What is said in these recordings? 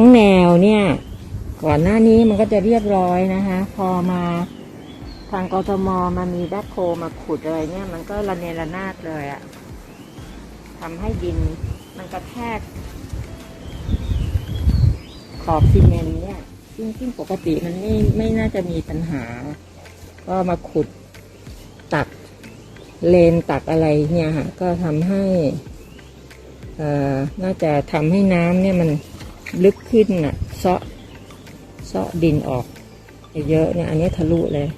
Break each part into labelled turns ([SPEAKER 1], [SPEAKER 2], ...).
[SPEAKER 1] แนวเนี่ยก่อนหน้านี้มันก็จะเรียบร้อยนะคะพอมาทางกทมมามีแบ็คโฮมาขุดอะไรเนี่ยมันก็ระเนระนาดเลยอะทำให้ดินมันกระแทกขอบซีเมนต์เนี่ยซึ่งปกติมันไม่น่าจะมีปัญหาก็มาขุดตักเลนตักอะไรเนี่ยค่ะก็ทำให้น่าจะทำให้น้ำเนี่ยมันลึกขึ้นน่ะเซาะดินออกเยอะเนี่ยอันนี้ทะลุเลย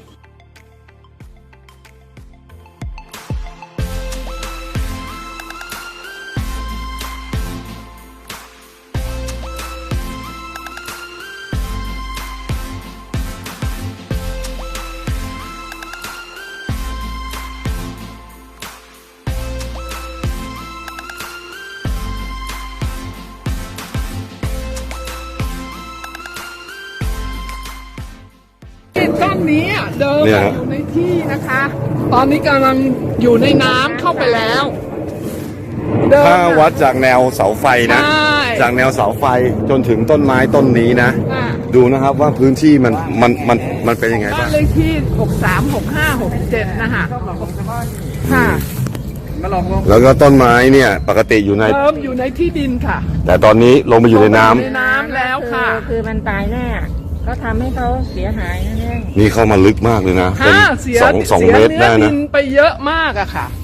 [SPEAKER 2] ต้นนี้เดิมอยู่ในที่นะคะ ตอนนี้กำลังอยู่ในน้ำเข้าไปแล้ว
[SPEAKER 3] ถ้าวัดจากแนวเสาไฟนะจากแนวเสาไฟจนถึงต้นไม้ต้นนี้นะดูนะครับว่าพื้นที่มันเป็นยังไงบ้าง
[SPEAKER 2] เลขที่63 65 67นะคะค่ะ
[SPEAKER 3] แล้วก็ต้นไม้เนี่ยปกติอยู่ใน
[SPEAKER 2] ที่ดินค่ะ
[SPEAKER 3] แต่ตอนนี้ลงไปอยู่ในน้
[SPEAKER 2] ำแล้วค่ะ
[SPEAKER 1] คือมันตายแน่ก็ทำให้เขาเสียหายนั่นเอง
[SPEAKER 3] นี่เข้ามาลึกมากเลยนะเป็น2 เมตรได้นะ
[SPEAKER 2] ดินไปเยอะมากอะค่ะ